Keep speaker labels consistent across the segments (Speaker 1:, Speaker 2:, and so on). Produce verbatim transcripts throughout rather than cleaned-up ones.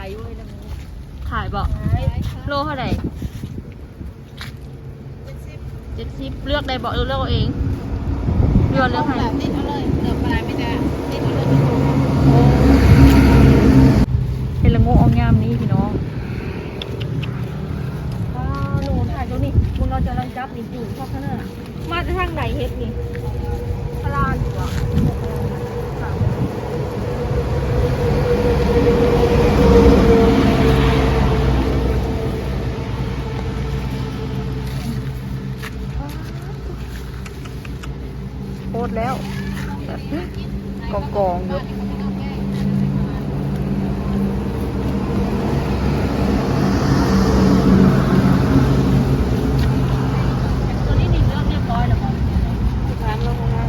Speaker 1: ายอยู่เลยนะขายบ่โลเท่าไหร่เจ็ดสิบเลือกได้บ่เลือกเอาเองเลือกเลือกให้ติดเอาเลยเลือกอะไรไม่ได้ติดเอาเลยเป็นละงูอองยามนี้พี่น้องอ้าวหนูถ่ายตรงนี้มึงเราจะรังจับนี่อยู่ชอบขนาดมาทางไหนเฮ็ดนี่พลานอยู่อ่ะโคตรแล้วกองกองอยู่ตัวนี้นี่เลือกเรียบร้อยแล้วมั้งร้านลงมา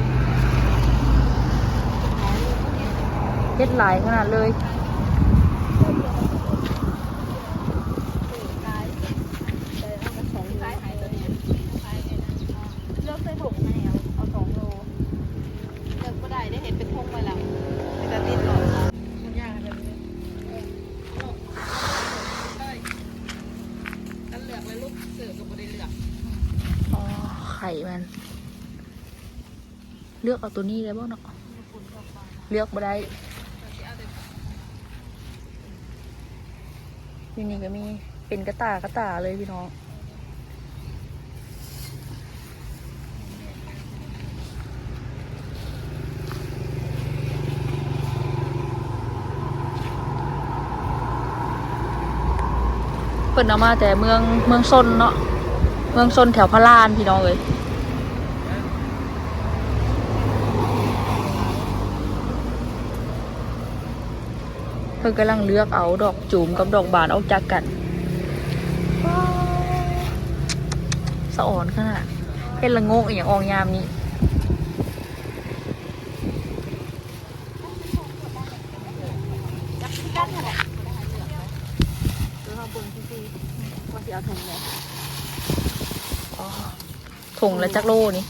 Speaker 1: เฮ็ดหลายขนาดเลยไข่มันเลือกเอาตัวนี้ได้บ้างเนาะเลือกมาได้ที่นี่ก็มีเป็นกระตากระตาเลยพี่น้องเปิดเอามาแต่เมืองเมืองซนเนาะเมืองซนแถวพระลานพี่น้องเลยเพิ่งกำลังเลือกเอาดอกจูมกับดอกบานออกจากกันสะอ่อนขนาดเห็นละโงกอย่างอองยามนี้ถุงแล้วจักโลนี่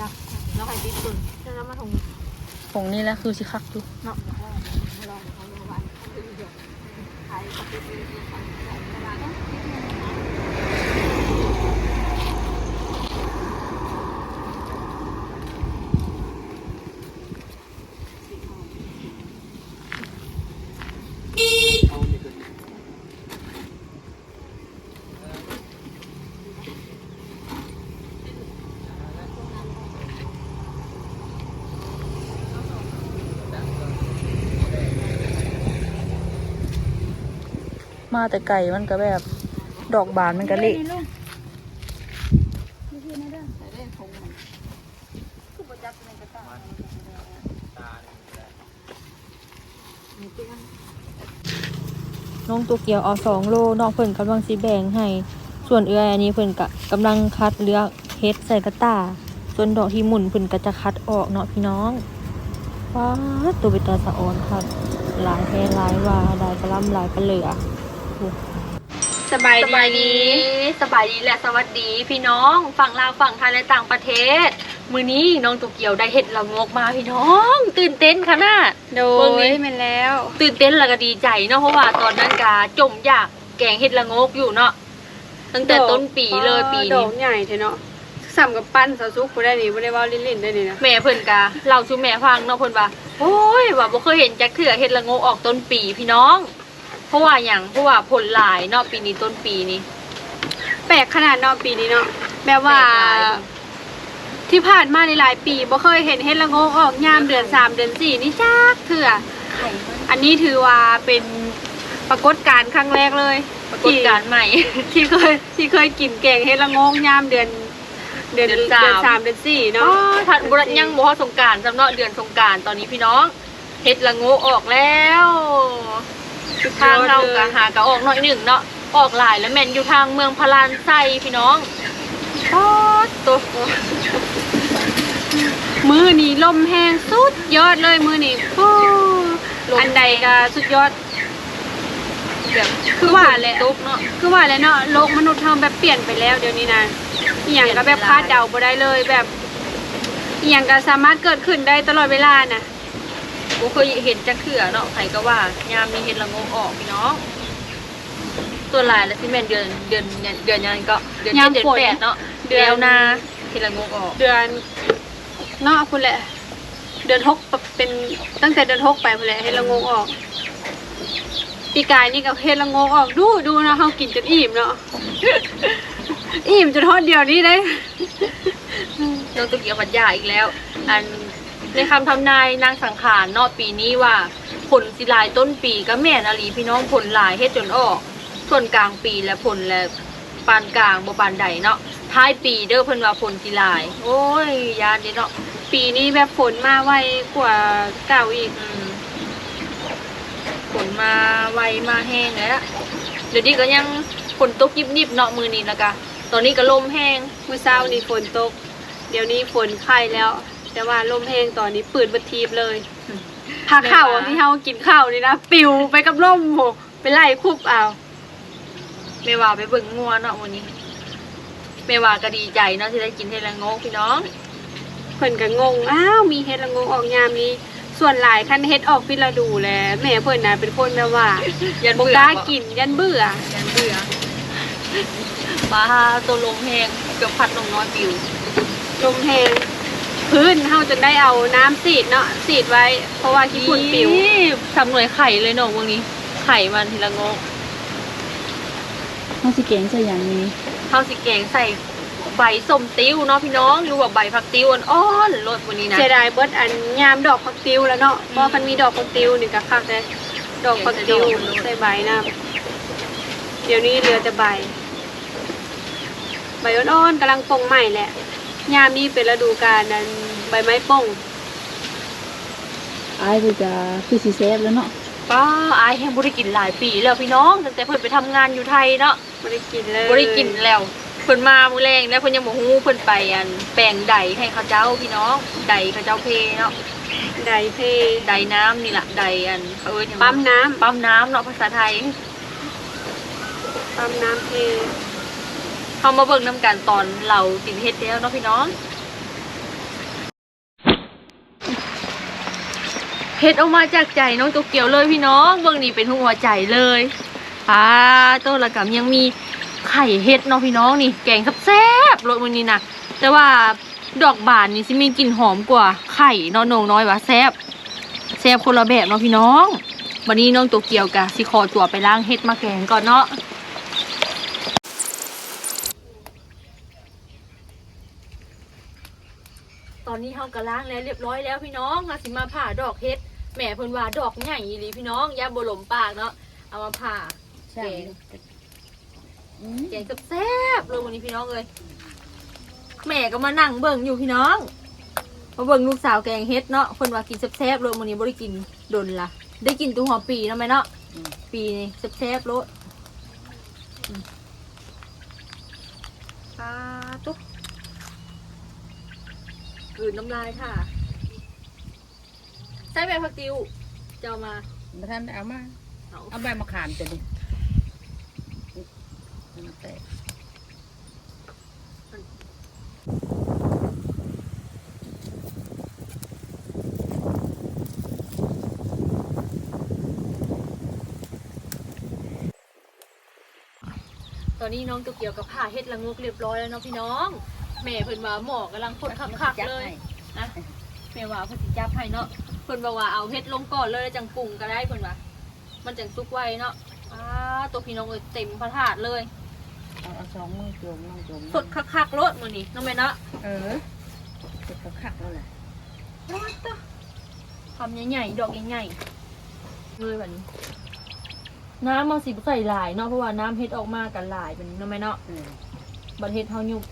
Speaker 1: ถุงนี่แหละคือสิคักดูเนาะมาแต่ไก่มันก็แบบดอกบานมันก็เละน้องตัวเกียวเอาสองโลน้องเพิ่นกำลังสีแบ่งให้ส่วนเอื้อยอันนี้เพิ่นกะกำลังคัดเลือกเฮ็ดใส่กระตาส่วนดอกที่หมุนเพิ่นก็จะคัดออกเนาะพี่น้องว้าตัวเป็นตาสะออนครับหลายแพ้หลายว่าหลายกระลำหลายกระเหลือสบายดีสบายดีและสวัสดีพี่น้องฝั่งลาวฝั่งไทยและต่างประเทศมื้อนี้น้องตัวเกียวได้เห็ดละงกมาพี่น้องตื่นเต้นขนาด
Speaker 2: โดยแม่นแล้ว
Speaker 1: ตื่นเต้นแล้วก็ดีใจเนาะเพราะว่าตอนนั้นกาจมอยากแกงเห็ดละงกอยู่เนาะตั้งแต่ต้นปีเลยปีนี้
Speaker 2: ดอกใหญ่เถอะเนาะซ้ำกับปั้นสาวซุกบ่ได้นี่บ่ได้ว่าลิ้นๆได้นี่นะ
Speaker 1: แม่เพิ่นกาเล่าสู่แม่ฟังเนาะเพิ่นว่าโอ้ยว่าบ่เคยเห็นจักเทื่อเห็ดละงกออกต้นปีพี่น้องเพราะว่าอย่างเพราะว่าผลหลายเนาะปีนี้ต้นปีนี้
Speaker 2: แปลกขนาดเนาะปีนี้เนาะแบบว่าที่ผ่านมาหลายปีบ่เคยเห็นเห็ดละโงกออกยามเดือนสามเดือนสี่นี่จักเถื่ออันนี้ถือว่าเป็นปรากฏการณ์ครั้งแรกเลย
Speaker 1: ปรากฏการณ์ใหม่
Speaker 2: ที่เคยที่เคยกินแกงเห็ดละโงกยามเดือนเดือนเดือนสามเดือนสี่เนาะ
Speaker 1: ทันบุญยังบ่ฮอดสงกรานต์สำเนาะเดือนสงกรานต์ตอนนี้พี่น้องเห็ดละโงกออกแล้วทางเรากะหากะออกหน่อยหนึ่งเนาะออกหลายแล้วแม่นอยู่ทางเมืองพารานไซพี่น้องป๊อดตัว
Speaker 2: มือนี่ลมแห้งสุดยอดเลยมือนี่โอ้อันใดก็สุดยอดคือว่าแหละคือว่าแหละเนาะโลกมนุษย์เฮาแบบเปลี่ยนไปแล้วเดี๋ยวนี้นะอีหยังก็แบบคาดเดาบ่ได้เลยแบบอีหยังก็สามารถเกิดขึ้นได้ตลอดเวลาน่ะ
Speaker 1: บ่เคยเห็นจักเทื่อเนาะไผก็ว่ายามมีเห็ดละโงกออกพี่น้องตัวหลายแล้วสิแม่นเดือนเดือนเดือนยังก็เดือนเจ็ดเดือนแปดเนาะเดือนนาเห็ดละโงกออก
Speaker 2: เดือนเนาะพุ่นแหละเดือนหกเป็นตั้งแต่เดือนหกไปพุ่นแหละเฮ็ดละโงกออกปีกายนี่ก็เฮ็ดละโงกออกดูดูนะเฮากินจนอิ่มเนาะ อิ่มจนทอดเดียวนี้ได้
Speaker 1: น้องตุกเกียวพัดยาอีกแล้วอันในคำทำนายนางสังขารเนาะปีนี้ว่าผลสิลายต้นปีก็แม่นอลีพี่น้องผลหลายเฮ็ดจนออกส่วนกลางปีและผลและปานกลางบ่ปานใดเนาะท้ายปีเด้อเพิ่นว่าผลสิลายโอ้ยยานเด้เนาะ
Speaker 2: ปีนี้แบบฝนมาไวกว่าเก่าอีก
Speaker 1: ฝนมาไวมาแห้งแล้วเดี๋ยวนี้ก็ยังฝนตกยิบๆเนาะมือนี้แล้วก็ตอนนี้ก็ลมแห้ง
Speaker 2: เมื่อเช้านี่ฝนตกเดี๋ยวนี้ฝนไข่แล้วแต่ว่าลมแห้งตอนนี้ปืนบัดทีบเลยผักข้าวที่เฮากินข้าวนี่นะปิวไปกับลมโหไปไล่คุบเอา
Speaker 1: แม่ว่าไปเบิ่งงัวเนาะวันนี้แม่ว่าก็ดีใจเนาะที่ได้กินเฮ็ดละโงกพี่น้อง
Speaker 2: เพิ่นก็งงอ้าวมีเฮ็ดละโงกออกยามนี้ส่วนหลายคันเฮ็ดออกพิฤดูแลแม่เพิ่นน่ะเป็นคนแบบว่ายันบ่กล้ากินยันเบื่อ
Speaker 1: ยันเบื่อปลาตัวลมแห้งเกือบพัดลงน้อยปิว
Speaker 2: ลมแห้งพื้นเฮาจะได้เอาน้ำสีดเนาะสีดไว้เพราะว่าขี้ฝุ่นปิว
Speaker 1: ทำหน่วยไข่เลยเนาะพวกนี้ไข่มันทีละโงก
Speaker 3: เฮาสิแกงใส่อย่างนี้
Speaker 1: เฮาสิแกงใส่ใบส้มติ้วเนาะพี่น้องหรือว่าใบผักติ้วอ่อนๆรสวันนี้นะ
Speaker 2: เสียดายเบิดอันยามดอกผักติ้วแล้วเนาะเพราะคันมีดอกผักติ้วนี่ก็คักเลยดอกผักติ้วใส่ใบน้ำเดี๋ยวนี้เหลือแต่ใบใบอ่อนๆกำลังปงใหม่แหละยามนี้เป็นฤดูกาลนั้นใบไม้ป่ง
Speaker 3: อายก็จะคือสิแซ่บแล้วเนาะ
Speaker 1: ป้าอายแห้งบ่ได้กินหลายปีแล้วพี่น้องตั้งแต่เพิ่นไปทำงานอยู่ไทยเนาะ
Speaker 2: บ่ได้กินเลย
Speaker 1: บ่ได้กินแล้วเพิ่นมามื้อแรงแล้วเพิ่นยังบ่ฮู้เพิ่นไปอันแปลงใดให้เขาเจ้าพี่น้องใดเขาเจ้าเพเนาะ
Speaker 2: ใดเพ
Speaker 1: ใดน้ำนี่ล่ะใดอันเขาเอิ้นหยัง
Speaker 2: ปั๊มน้ำ
Speaker 1: ปั๊มน้ำเนาะภาษาไทย
Speaker 2: ปั๊มน้ำเพ
Speaker 1: เฮามาเบิ่งนำกันตอนเรากินเฮ็ดแล้วเนาะพี่น้องเฮ็ดออกมาจากใจน้องโตเกียวเลยพี่น้องเบิ่งนี่เป็นหัวใจเลยอ่าต้นละกำยังมีไข่เฮ็ดเนาะพี่น้องนี่แกงแซ่บๆรสมื้อนี้นะแต่ว่าดอกบานนี่สิมีกลิ่นหอมกว่าไข่เนาะน้องน้อยว่าแซ่บแซ่บคนละแบบเนาะพี่น้องวันนี้น้องโตเกียวกะสิขอตัวไปล้างเฮ็ดมาแกงก่อนเนาะตอนนี้เฮาก็ล้างแล้วเรียบร้อยแล้วพี่น้องมาสิมาผ่าดอกเฮ็ดแม่เพิ่นว่าดอกใหญ่อีหลีพี่น้องอย่าบ่หลมปากเนาะเอามาผ่าแกงแกงแซ่บๆเลยวันนี้พี่น้องเลยแม่ก็มานั่งเบิ่งอยู่พี่น้องมาเบิ่งลูกสาวแกงเฮ็ดเนาะเพิ่นว่ากินแซ่บๆเลยวันนี้บ่ได้กินดนละได้กินตัวหัวปีเนาะแม่เนาะปีนี่แซ่บๆโลดปลาตุ๊กกลืนน้ำลายค่ะใช้ใบผักติวจะเอามา
Speaker 3: บ่ทันเอามาเอาใบมะขามตัวนี้แตก
Speaker 1: ตอนนี้น้องตัวเกี่ยวกับผ่าเฮ็ดละงกเรียบร้อยแล้วเนาะพี่น้องแม่เพิ่นว่าหมอกำลังพ่นคักๆเลยนะแม่ว่าเพิ่นสิจับให้เนาะเพิ่นบอกว่าเอาเฮ็ดลงก่อนเลยจังปรุงก็ได้เพิ่นว่ามันจังสุกไวเนาะอ้าตัวพี่น้องเอ้ยเต็มพระถาดเลย
Speaker 3: เอาสองมือจมน้องจม
Speaker 1: สดคักๆรสมื้อนี้น้องแม่เนาะ
Speaker 3: เออสดคักๆแล้วแหละ
Speaker 1: ทำใหญ่ๆดอกใหญ่ๆเลยแบบนี้น้ำมันสิใส่หลายเนาะเพราะว่าน้ำเฮ็ดออกมากันหลายแบบนี้น้องแม่เนาะบัดเฮ็ดเฮายุบ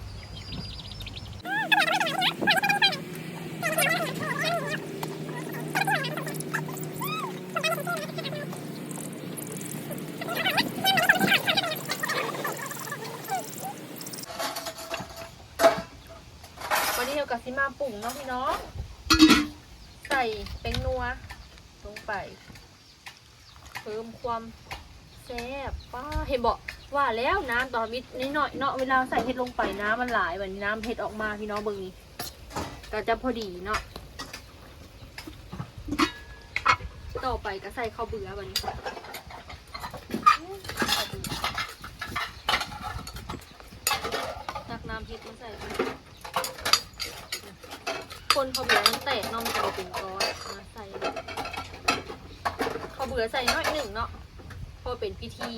Speaker 1: วันนี้เรากับซิมาปุ่งเนาะพี่น้องใส่เป็นนัวลงไปเพิ่มความแซ่บป้าเห็นบอกว่าแล้วน้ำต่อมิดนิดหน่อยเนาะเวลาใส่เห็ดลงไปน้ำมันหลายแบบนี้น้ำเห็ดออกมาพี่น้องเบิ่งนี่ก็จะพอดีเนาะต่อไปก็ใส่ข้าวเบื่อบัดนี้ตักน้ำพริกมาใส่คนข้าวเบื่อมันแตกเนาะมันจะเป็นก้อนมาใส่ข้าวเบื่อใส่น้อยหนึ่งเนาะเพอเป็นพิธี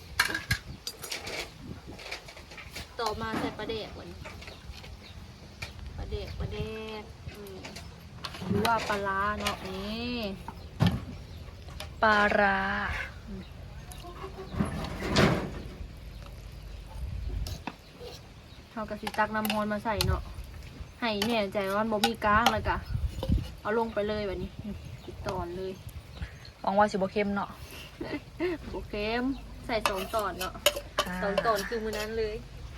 Speaker 1: ต่อมาใส่ปลาแดกวันปลาแดกปลาแดกอืมหรือว่าปลาร้าเนาะนี่ปลาร้าเขากระสิตักน้ำฮอนมาใส่เนาะให้แน่ใจว่าบ่มีก้างเลยกะเอาลงไปเลยแบบนี้ติดตอนเลยหวังว่าสิบ่เค็มเนาะบ่เค็มใส่สองตอนเนาะสองตอนคือมือนั้นเลย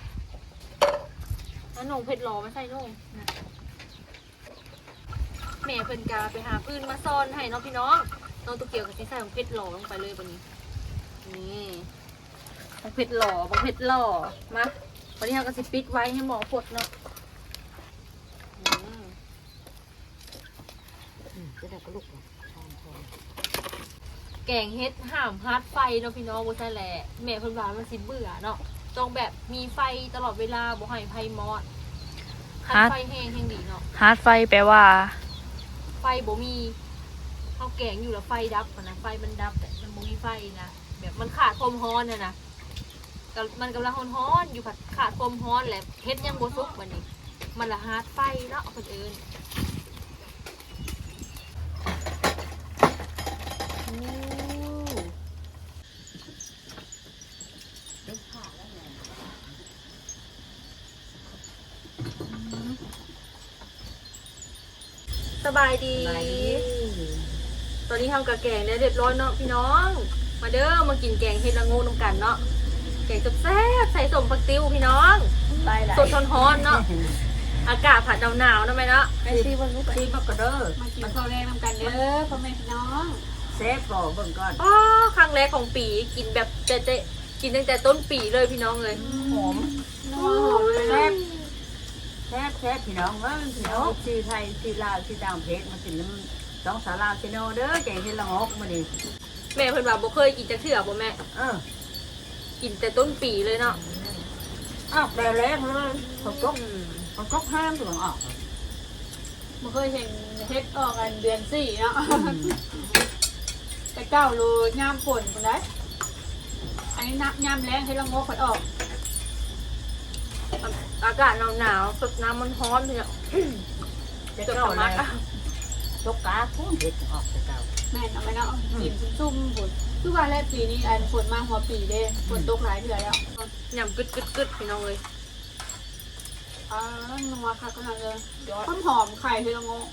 Speaker 1: แล้วนงเผ็ดหล่อมาใส่นงแม่เพิ่นกาไปหาพื้นมาซ่อนให้เนาะพี่น้องน้องตุกเกียวกับสิใส่ของเผ็ดหล่อลงไปเลยวันนี้นี่ของเผ็ดหล่อของเผ็ดหล่อมาวันนี้เราก็สิปิดไว้ให้หมอปดเนาะ
Speaker 3: จะได้กระลุก
Speaker 1: แกงเฮ็ดห่ามฮาร์ดไฟเนาะพี่น้องบ่ใช่แหละแม่เพิ่นว่ามันสิเบื่อเนาะต้องแบบมีไฟตลอดเวลาบ่ให้ไฟมอดคันไฟแห้งแห้งดีเนาะ
Speaker 4: ฮาร์ดไฟแปลว่า
Speaker 1: ไฟบ่มีเฮาแกงอยู่แล้วไฟดับนะไฟมันดับแต่มันบ่มีไฟนะแบบมันขาดความร้อนน่ะนะก็มันกำลังร้อนๆอยู่ผัดขาดความร้อนแหละเฮ็ดยังบ่สุกบัดนี้มันละฮาร์ดไฟเนาะคนอื่นสบายดี ตอนนี้ทำกะแกงได้เรียบร้อยเนาะพี่น้อง มาเด้อมากินแกงเฮ็ดละโงูน้ำกันเนาะ แกงแซ่บๆใส่สมผักติ้วพี่น้อง สดร้อนๆเนาะ อากาศผัดหนาวๆนะแม่เนาะ
Speaker 3: ไปซีบังลูกซีบักกระเด้อ
Speaker 2: มากินข้าวแรงนำกันเด้อพ่อแม่พี่น้อง
Speaker 3: เซฟก่อเบิ่งก่อน
Speaker 1: อ๋อครั้งแรกของปีกินแบบเจ๊ๆกินตั้งแต่ต้นปีเลยพี่น้องเลย
Speaker 3: หอม
Speaker 2: นัวหอมเลย
Speaker 3: แซ่
Speaker 2: นะ
Speaker 3: บแซ่บแซ่บพี่น้องว่าพี่น้องซีไทยซีลาวซีต่างประเทศมากินน้ำสองสาราซีโนเด้อแกงเฮ็ดละงอกมาดิ
Speaker 1: แม่เพิ่นว่าบ่เคยกินจักเทื่อบ่แม่
Speaker 3: เออ
Speaker 1: กินแต่ต้นปีเลยเนาะ
Speaker 3: อ้าวแต่แรกเลยเขาก็เขาก็ห้ามตัวออก
Speaker 2: บ่เคยเห็นเฮ็ดออกกันเดือนสี่เนาะแต่เก้าโลย่ามฝนคนได้อันนี้น้ำย่ามแรงให้ละงกเพิ่นออก
Speaker 1: อากาศหนาวๆสดน้ำมันร้อนเนี่ย
Speaker 3: จะ
Speaker 1: เกือบ
Speaker 3: เก้า
Speaker 1: สำ
Speaker 3: แล้
Speaker 1: ลัก
Speaker 3: ว
Speaker 1: อะ
Speaker 3: ตกกาพุ่งเด็ดออกจะเก้า
Speaker 2: แม่นเอาไปเนาะกินซุ่มๆฝนคือว่าแรกปีนี้อันฝนมาหัวปีเด้ฝนตกหลายเดือนแล้ว
Speaker 1: ยำกึดกึดกึดพี่น้องเลย
Speaker 2: อ่านัวค่ะขนาดเลยต้นหอมไข่ให้ละงก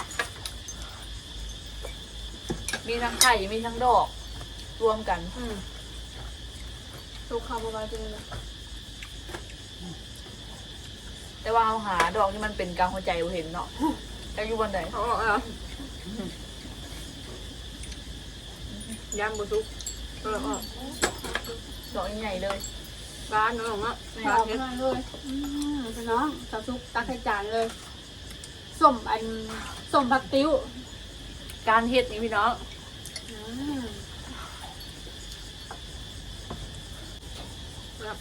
Speaker 4: มีทั้งไข่มีทั้งดอกรวมกัน
Speaker 1: อืม
Speaker 2: สุกข้าวประมาณนี้
Speaker 4: แต่ว่าเอาหาดอกที่มันเป็นกลางหัวใจบ่เห็นเนาะแต่อยู่บนไหน
Speaker 1: เอาออกเอายำบุซุกเอาออก
Speaker 4: ดอกใหญ่ๆเลย
Speaker 1: บ้านน้องเนาะ
Speaker 2: หอมมากเลยอืมพี่น้องสาวซุกตักให้จานเลยส้มอันส้มผักติ้ว
Speaker 4: การเฮ็ดนี่พี่น้อง
Speaker 2: อืม
Speaker 1: ครับ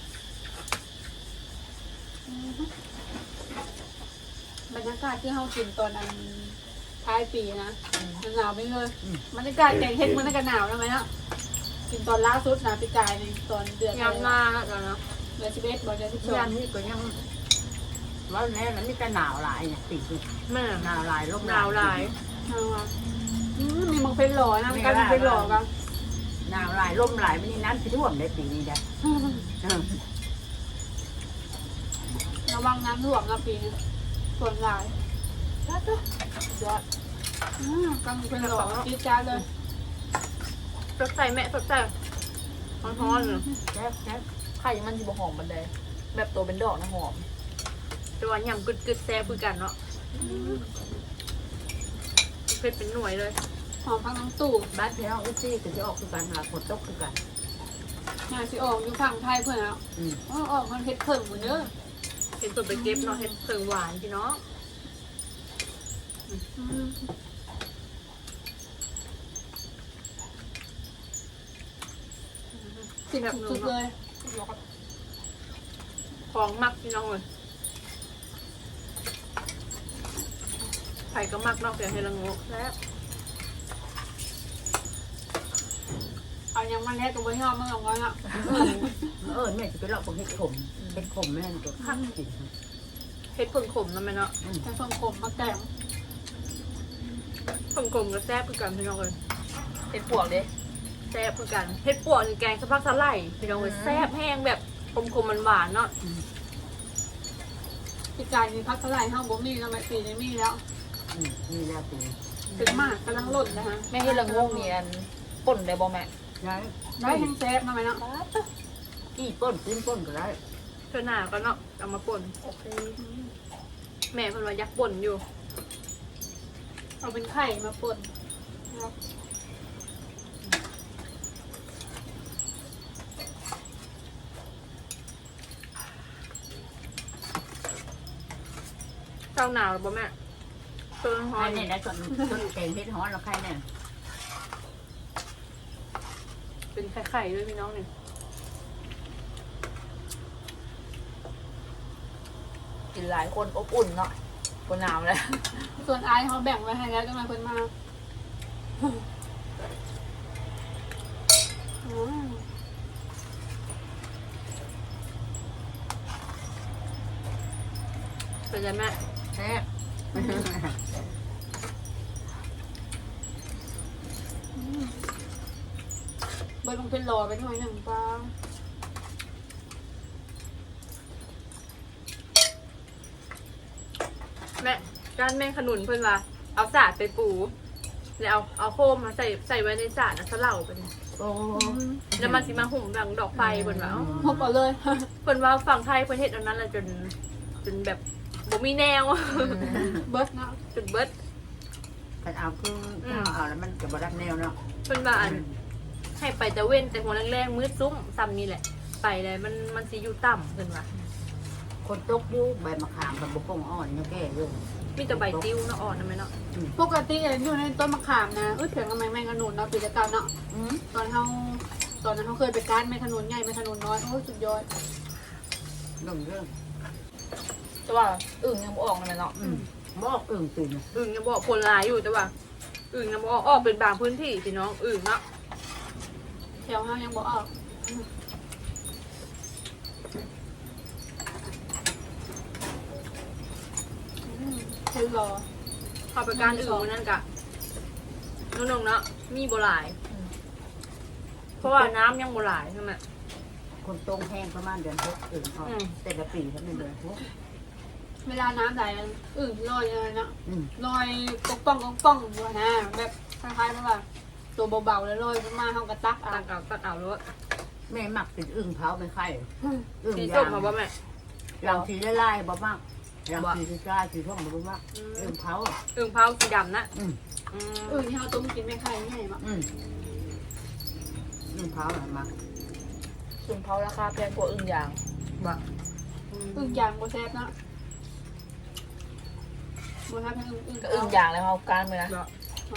Speaker 2: บรรยากาศที่เขากินตอนนั้นท้ายปีนะหนาวไม่เลยบรรยากาศแกงเฮ็ดมันก็หนาวนะไหมเนาะกินตอนล่าสุดนะพี่กายในตอนเดือน
Speaker 1: ยำหน้าแล้วเนาะ
Speaker 2: เดือนสิบเอ็ดบอกเดือนสิบสอง
Speaker 3: ยามนี้ก็ยังว่าแน่นั้นนี่จะหนาวหลายเนี่ยติด
Speaker 1: แม่
Speaker 3: หนาวหลายลม
Speaker 1: หนาวหลาย
Speaker 2: เอาว่ะอืมมีมังเป็นหล่อนะมีการมังเป็นหล่อกัน
Speaker 3: หนาวหลายลมหลายไม่นี่น้ำที่ท่วมได้ปีนี้จ้ะ
Speaker 2: ระวังน้ำท่วมนะปีนี้ส่วนหลาย
Speaker 3: ยอด
Speaker 2: อืมกำลังเป็นหล่อจี๊ดจ้าดเลย
Speaker 1: สดใสแม่สดใสร้อนๆเลย
Speaker 3: แซ่บแซ่บ
Speaker 4: ไข่มันสิบ่หอมบันไดแบบตัวเป็นดอกนะหอม
Speaker 1: แต่ว่ายำกึดกึดแซ่บคือกันเนาะเผ็ดเป็นหน่วยเลย
Speaker 2: หอมพังน้ำตู่
Speaker 3: บ้านพี่น้องอุ้ซี่ก็จะออกคือกันหาฝนตกคือกัน
Speaker 2: งานสิออกอยู่ฝั่งไทยเพื่อนแล้ว
Speaker 3: อืม
Speaker 2: อ๋อออกมันเฮ็ดเพิ่มหมดเด้อ
Speaker 1: เห็นตัวไปเก็บเนาะเห็ดเพิงหวานพี่น้อง
Speaker 2: อืมสิ่งสุดๆเลย
Speaker 1: ของมักพี่น้องเลยไผ่ก็มักนอกจากเฮลังโงแล้ว
Speaker 2: เอายังมันแท้ตัวไม่ยอมมันเอาไว้อะ
Speaker 3: เออแม่จะไปเลาะพวกเห็ดขมเห็ดขมแม่นตัวข้างกิน
Speaker 1: เฮ็ดผลขมนั่นไหมเนาะ
Speaker 2: แต่ส่วนขมมาแกง
Speaker 1: ผลขมก็แซ่บคือกันพี่น้องเลย
Speaker 4: เห็ดปวกเด้
Speaker 1: แซ่บคือกันเฮ็ดปวกนี่แกงสะพักสะไหลพี่น้องเลยแซ่บแห้งแบบขมขมมันหวานๆเนาะ
Speaker 2: พี่กายมีพักเท่าไหร่ห้างบ่มีแล้วไม่ปีนี้มีแล้ว
Speaker 3: อืมนี่แล้วตี
Speaker 2: ถึงมากกำลังหล่นนะฮะ
Speaker 4: แม่เฮ็ดละงงนี่อันป่นได้บ่แม่
Speaker 3: ได้
Speaker 2: ได้แห้งแซ่บมาไหมเนาะ
Speaker 3: กี่ป้นขึ้นป้นก็ได้
Speaker 1: เท่าหน้าก็เนาะเอามาป่น
Speaker 4: โอเค
Speaker 1: แม่เพิ่นว่ายักป่นอยู่
Speaker 2: เอาเป็นไข่มาป่นนะครับ
Speaker 1: เจ้าหนาวหรือเปล่าแม่ต้นฮอ
Speaker 3: ใคร
Speaker 1: น
Speaker 3: เนี่ยได้ส่วนส่วนแกงเห็ดฮ้อนแล้วใครเนี่ย
Speaker 1: เป็นไข่ๆด้วยพี่น้องนี่
Speaker 4: กินหลายคนอบอุ่นเนาะบ่หนาวแล้ว
Speaker 2: ส่วนไอายเขาแบ่งไว้ให้แล้วจะมาคนมาอืม
Speaker 1: เป็นไงแม่
Speaker 3: แซ่บ
Speaker 2: เบิร์ดลงเป็นรอไปหน่อยหนึ่งป้า
Speaker 1: แม่การแม่ขนุนเพิ่นว่าเอาสาดไปปูแล้วเอาเอาโคมมาใส่ใส่ไว้ในสาดนะสะเหล่าไปเลย
Speaker 3: โอ้
Speaker 1: แล้วมันสิมาหุ่มดังดอกไฟเพิ่นว่าอ๋อ
Speaker 2: พบก่อนเลย
Speaker 1: เพิ่นว่าฝั่งไทยเพิ่นเฮ็ดอันนั้นแหละจนจนแบบบ่มีแนว
Speaker 2: เบิร์ดเนาะ
Speaker 1: จนเบิด
Speaker 3: ถ้าเอาคือถ้าเอาแล้วมันจะบรับแนวเนาะ
Speaker 1: เพิ่นว่าอันให้ไปแต่เว้นแต่หัวแรงๆมืดซุ้มซ้ำนี่แหละ ไปเลยมันมันสิอยู่ต่ำเพิ่นว่า
Speaker 3: คนตกอยู่ใบมะขามกับบุกงอ่อนเนี่ยแก่เรื่อง
Speaker 1: มีแต่ใบติ้วเนาะอ่อนนะแม่เนาะ
Speaker 2: ปกติอยู่ในต้นมะขามนะเอ้ยเถียงกับแมงแมงขนุนเนาะปีละเก้าเนาะ
Speaker 3: อืม
Speaker 2: ตอนเขาตอนนั้นเขาเคยไปการแมงขนุนใหญ่แมงขนุนน้อยโอ้ยสุดยอด
Speaker 3: เรื่องเรื่อง
Speaker 4: แต่ว่าอึ่งยังบ่ออกเลยเนาะ
Speaker 3: อืมบอกอึ่งตื่น
Speaker 1: อึ่งยังบอกผลหลายอยู่แต่ว่าอึ่งยังบอกออกเป็นบางพื้นที่พี่น้องอึ่งเนาะ
Speaker 2: แถวเขายังบอกออกอืมคือรอ
Speaker 1: เข้าไปการอึ่งวันนั้นกะน้องๆเนาะมีบ่หลาย เพราะว่าน้ำยังบ่หลายใช่ไหม
Speaker 3: คนตรงแห้งประมาณเดือนหกอึ่งเขา
Speaker 1: อืม
Speaker 3: แต่ละปีเขาเป็นเดือนหก
Speaker 2: เวลาน้ำไหลอึ่งลอยเลยนะ
Speaker 3: อืม
Speaker 2: ลอยกองป้องกองป้องอยู่นะแบบคล้ายๆแบบว่าตัวเบาๆแล้วลอยขึ้นมาเขากระตักเอา
Speaker 1: ตักเอาตักเอารถ
Speaker 3: แม่หมักเป็นอึ่งเผาเป็นไข่อึ่ง
Speaker 1: สี
Speaker 3: ยา
Speaker 1: ส้ม
Speaker 3: ง
Speaker 1: มาบ่แม่
Speaker 3: ยางสีไล่ๆบ่มากยางสีสีกล้าสีท่องบ่มากอึ่งเผา
Speaker 1: อึ่งเผาสีดำนะ
Speaker 3: อืม
Speaker 1: อืม
Speaker 2: อึ่งที่เขาต้มกินไม่ไข่ง่ายมาก
Speaker 3: อืมอึ่งเผาอะไรมา
Speaker 4: อึ่งเผาราคาแพงกว่าอึ่งยาง
Speaker 1: บ่
Speaker 2: อึ่งยางโบแซบนะโบแซบเป็นอึ่งอึ่ง
Speaker 4: ก็อึ่งยางแล้วเอาการมือนะ
Speaker 1: บ่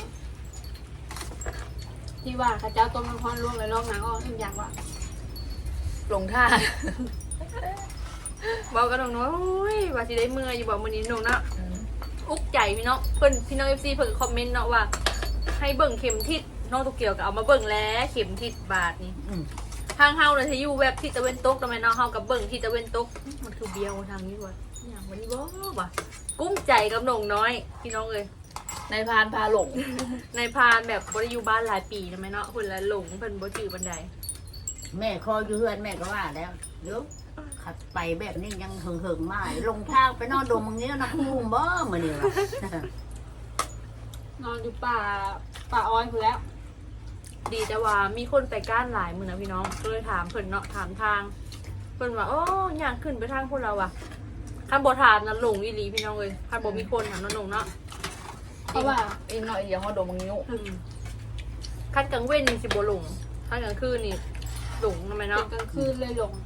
Speaker 2: ที่ว่าข้าเจ้าต้มน้ำร้อนลวกเลยลอกหนังออกอึ่งยางว่ะ
Speaker 4: ลงท่า
Speaker 1: บอกกันน้องเนาะโอ้ยว่าสิได้เมื่ออยู่บ่มื้อนี้น้องเนาะ
Speaker 4: อืม
Speaker 1: อุกใจพี่น้องเพิ่นพี่น้อง เอฟ ซี เพิ่นคอมเมนต์เนาะว่า ให้เบิ่งเข็มทิศน้องตุกเกียวก็เอามาเบิ่งแล้วเข็มทิศบาทนี่
Speaker 3: อืม
Speaker 1: ทางเฮาเลยที่อยู่แบบทิศตะเวนตกทำไมเนาะเฮากับเบิ่งทิศตะเวนตกมันคือเบี้ยวทางนี้ว่ะอย่างวันนี้บ่ว่ะกุ้มใจกับน้องน้อยพี่น้องเอ้ย
Speaker 4: ในพานพาหลง
Speaker 1: ในพานแบบบ่ได้อยู่บ้านหลายปีทำไมเนาะเพิ่นละหลงเพิ่นบ่จื้อบันได
Speaker 3: แม่คออยู่เฮือนแม่ก็ว่าแล้วเดี๋ยวขัดไปแบบนี้ยังเหิงๆมาลงทางไปนอนดมมึงนี้นะคุ้มบ่มื้อนี้ว่ะ
Speaker 2: นอนอยู่ป่าป่าอ้อยคือแล้ว
Speaker 1: ดีแต่ว่ามีคนไปก้านหลายมื้อนะพี่น้องก็เลยถามเพิ่นเนาะถามทางเพิ่นว่าโอ้ย่างขึ้นไปทางพวกเราอ่ะคันบ่ถามนะหลงอีหลีพี่น้องเอ้ยคันบ่มีคนถามน้องๆเนาะ
Speaker 2: เพราะว่า
Speaker 4: อีกหน่อยเดี๋ยวเขาดมมังนิ้ว
Speaker 1: อืมคันกลางเว้นนี่สิบ่หลงคันกลางคืนนี่หลงทำไม
Speaker 2: เป็
Speaker 1: เนาะ
Speaker 2: นกลางคืนเลยหลง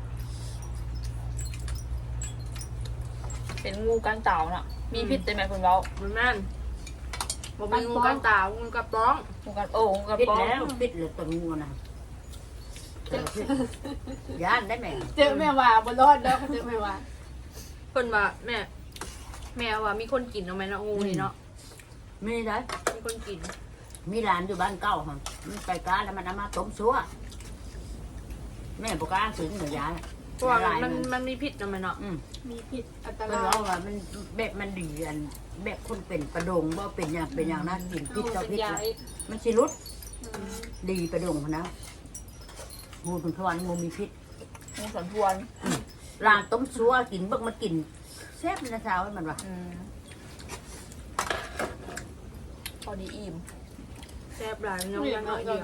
Speaker 4: เป็นงูก้านเต่าน่ะ มีพิษแต่แม่คุณเว้า
Speaker 1: มันแม่นบ่มีงูกันตางูกระป้อง
Speaker 4: งูกันโอ้งูกระ
Speaker 3: ปิด
Speaker 4: ป๋อง
Speaker 3: แล้วปิดเลยตัวงูนะเจอพิษย่านได้แม่
Speaker 2: เจอแม่ว่าบ่รอดดอกเจอแม่ว่า
Speaker 1: เพิ่นว่าแม่ แม่ว่ามีคนกินเนาะแม่เนาะงูนี่เนาะ
Speaker 3: มีได้
Speaker 1: มีคนกิน
Speaker 3: มีร้านอยู่บ้านเก่าค่ะมันไปกาแล้วมันเอามาต้มซัวแม่บอกล้าซื้อเหนือยา
Speaker 1: เพราะว่ามันมันมีพิษเนาะแม่เนาะ
Speaker 3: อืม
Speaker 2: มีผิดอันต
Speaker 3: มัน
Speaker 2: รา
Speaker 3: ร้อย งว่ามันแบบมันดีอันแบบคนเป็นประดงบ่เป็นอย่างเป็นอย่างนั้นกินพิษต่อพิษ
Speaker 2: ยาย
Speaker 3: มันสิรุดดีประดงนะงูเป็นขวานงูมีพิษ
Speaker 4: งูสันทวน
Speaker 3: ร้านต้มซัวกินเบิ่งมันกินแซ่บเลยนะสาวมันว่า
Speaker 4: อืมพอดีอิ่ม
Speaker 1: แซ่บหลายน้องยังน้อยเดียว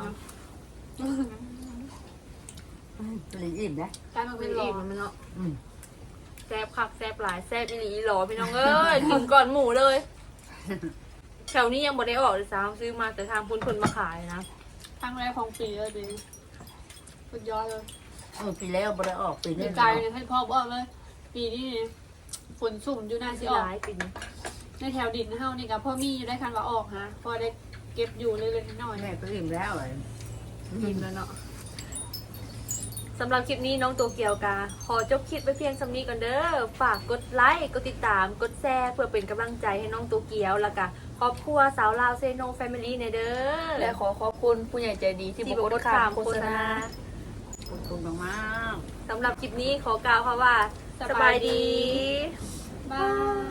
Speaker 3: เลยอิ่มนะ
Speaker 2: กลายมา
Speaker 1: มั
Speaker 2: เป็น นหล
Speaker 1: อิ่
Speaker 2: อ
Speaker 1: มมันเนาะ
Speaker 3: อืม
Speaker 1: แซ่บคักแซ่บหลายแซ่บอีหลีอีหลอพี่น้องเอ้ยถึงก่อนหมูเลยแถวนี้ยังบ่ได้ออกเลยซ้ำซื้อมาแต่ทางพุ่นคนมาขายนะ
Speaker 2: ครั้งแรกของปีเลยดิสุดยอดเลย
Speaker 3: เออปีแล้วบ่ได้ออกปี
Speaker 2: ดี
Speaker 3: นี้
Speaker 2: ใจเลยให้พ่อบอกเลย ปีนี้ฝนสุ่มอยู่น่าสิ
Speaker 1: สิ
Speaker 2: ออก
Speaker 1: หลายปีนี้
Speaker 2: ในแถวดินเฮานี่กับพ่อมีอยู่ได้คันว่าออกฮะพอได้เก็บอยู่เลยเลยน้อย
Speaker 3: แม่ก็อิ่มแล้วเลย
Speaker 1: อิ่มแล้วเนาะสำหรับคลิปนี้น้องโตเกียวกาขอจบคลิปไปเพียงสำนี้ก่อนเด้อฝากกดไลค์กดติดตามกดแชร์เพื่อเป็นกำลังใจให้น้องโตเกียวแล้วก็ครอบครัวสาวลาวเซโนแฟมิลี่ในเด้อ
Speaker 4: และขอขอบคุณผู้ใหญ่ใจดีที่
Speaker 1: ที่
Speaker 4: บบ ก
Speaker 1: อก
Speaker 4: ด
Speaker 1: ด
Speaker 4: ข้า
Speaker 1: ข้าม ม
Speaker 4: โฆ
Speaker 1: โฆ
Speaker 4: ษ
Speaker 1: ษ
Speaker 4: ณา
Speaker 1: ณา
Speaker 3: ขอบคุณมาก
Speaker 1: สำหรับคลิปนี้ขอกล่าวค่ะว่า สบายดี
Speaker 2: บาย